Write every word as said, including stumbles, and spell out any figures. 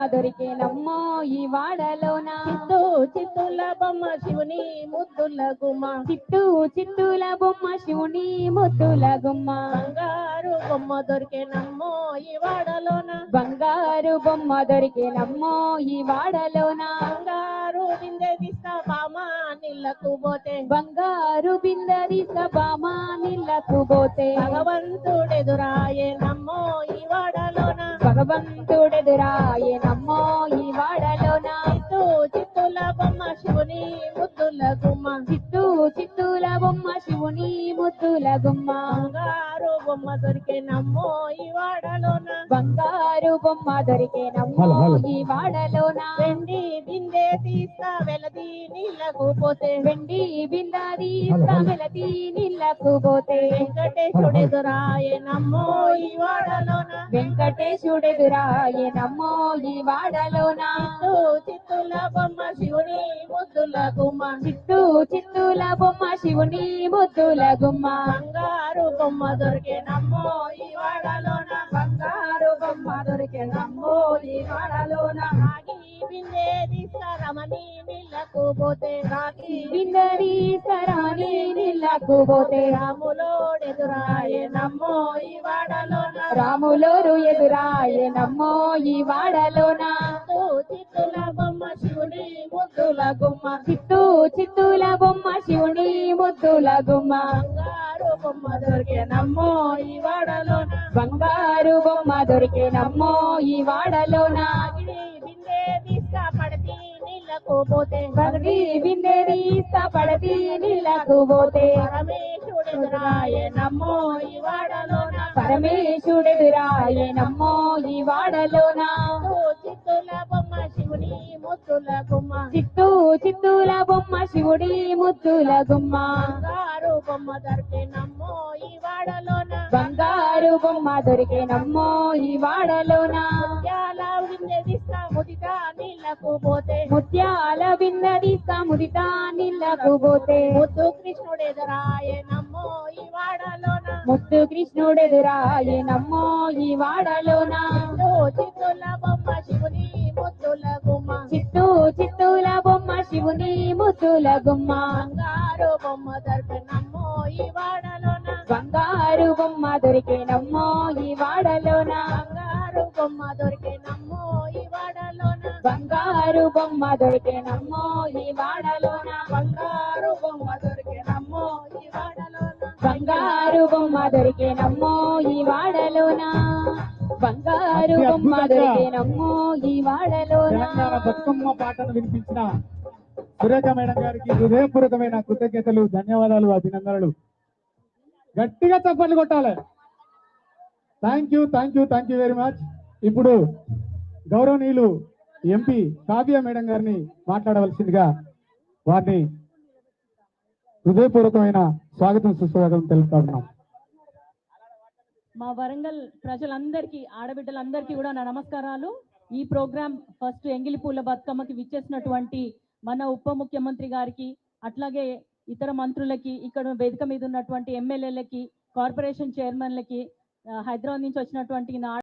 దొరికేనమ్మో ఈ వాడలోన చిత్తూ చిత్తుల బొమ్మ శివుని ముద్దుల గుమ్మ చిత్తూ చిత్తూల బొమ్మ శివుని ముద్దుల గుమ్మ బంగారు బొమ్మ దొరికేనమ్మో ఈ వాడలోన బంగారు బొమ్మ దొరికేనమ్మో ఈ వాడలోన బంగారు బిందె తీస్తా బామా నీళ్ళకు పోతే బంగారు బిందరి సభామా నీళ్ళకు పోతే భగవంతుడెదురాయే నమ్మో ఈ వాడలోన భగవంతుడెదురాయే నమ్మో ఈ వాడలోన చిత్తూ చిత్తుల బొమ్మ శివుని ముద్దుల గుమ్మ చిత్తూ చిత్తూల బొమ్మ శివుని ముద్దుల గుమ్మ బంగారు బొమ్మ దొరికే నమ్మో ఈ వాడలోన బంగారు బొమ్మ దొరికేనమ్మో ఈ వాడలోన వెండి బిందె తీస్తా వెలది నీళ్ళకు పోతే వెండి బిందాది వెలది నీళ్ళకు పోతే వెంకటేశుడెదురాయే నమ్మో ఈ వాడలోన వెంకటేశుడెదురాయే నమ్మో ఈ వాడలోన చిత్తూ చిత్తుల బొమ్మ శివుని ముద్దుల గుమ్మ చిత్తూ చిత్తూల బొమ్మ శివుని ముద్దుల గుమ్మ బంగారు బొమ్మ దొరికే నమ్మో ఈ వాడలోన బంగారు బొమ్మ దొరికేనమ్మో ఈ వాడలోన రాగి బిందె తీస్తా రమణి నీళ్ళకు పోతే రాగి బిందరి సరాని నీళ్ళకు పోతే రాములోడెదురాయే నమ్మో ఈ వాడలోన రాములోరు ఎదురాయే నమ్మో ఈ వాడలోన చిత్తూ చిత్తుల బొమ్మ శివుని ముద్దుల గుమ్మ చిత్తూ చిత్తూల బొమ్మ శివుని ముద్దుల గుమ్మ బంగారు బొమ్మ దొరికే నమ్మో ఈ వాడలోన బంగారు బొమ్మ దొరికేనమ్మో ఈ వాడలోన రాగిడి బిందె తీస్తా పడతి నీళ్ళకు పోతే పగటి బిందెరి పడతి నీళ్ళకు పోతే పరమేశుడెదురాయే నమ్మో ఈ వాడలోన పరమేశుడెదురాయే నమ్మో ఈ వాడలోన చిత్తూ చిత్తుల బొమ్మ శివుని ముద్దుల గుమ్మ చిత్తూ చిత్తూల బొమ్మ శివుడి ముద్దుల గుమ్మ బంగారు బొమ్మ దొరికే నమ్మో ఈ వాడలోన బంగారు బొమ్మ దొరికేనమ్మో ఈ వాడలోన ముత్యాల బిందె తీస్తా ముదితా నీళ్ళకు పోతే ముత్యాల బిందది ముదితా నీళ్ళకు పోతే ముద్దు కృష్ణుడెదురాయే నమ్మో ఈ వాడలోన ముద్దు కృష్ణుడెదురాయే నమ్మో ఈ వాడలోన చిత్తూ చిత్తుల బొమ్మ శివుని ముద్దుల గుమ్మ చిత్తూ చిత్తూల బొమ్మ శివుని ముద్దుల గుమ్మ బంగారు బొమ్మ దొరికే నమ్మో ఈ వాడలోన బంగారు బొమ్మ దొరికేనమ్మో ఈ వాడలోన బంగారు బొమ్మ దొరికే నమ్మో ఈ వాడలోన బంగారు బొమ్మ దొరికేనమ్మో ఈ వాడలోన బంగారు బొమ్మ దొరికే నమ్మో ఈ వాడలోన బంగారు బొమ్మ దొరికేనమ్మో ఈ వాడలోన బంగారు బొమ్మ దొరికేనమ్మో ఈ వాడలోన తెలంగాణ బతుకమ్మ పాటను వినిపించిన సురేఖ మేడం గారికి హృదయపూర్వకమైన కృతజ్ఞతలు, ధన్యవాదాలు, అభినందనలు. గట్టిగా చప్పట్లు కొట్టాలి. Thank you thank you thank you very much. ఇప్పుడు గౌరవనీయులు ఎంపీ కావ్య మేడం గారిని మాట్లాడవలసిందిగా వారిని హృదయపూర్వకమైన స్వాగతం సుస్వాగతం తెలుపుతా ఉన్నాం. మా వరంగల్ ప్రజలందరికీ, ఆడబిడ్డలందరికీ కూడా నా నమస్కారాలు. ఈ ప్రోగ్రాం ఫస్ట్ ఎంగిలిపూల బతుకమ్మకి విచ్చేసినటువంటి మన ఉప ముఖ్యమంత్రి గారికి, అట్లాగే ఇతర మంత్రులకి, ఇక్కడ వేదిక మీద ఉన్నటువంటి ఎమ్మెల్యేలకి, కార్పొరేషన్ చైర్మన్లకి, హైదరాబాద్ నుంచి వచ్చినటువంటి నా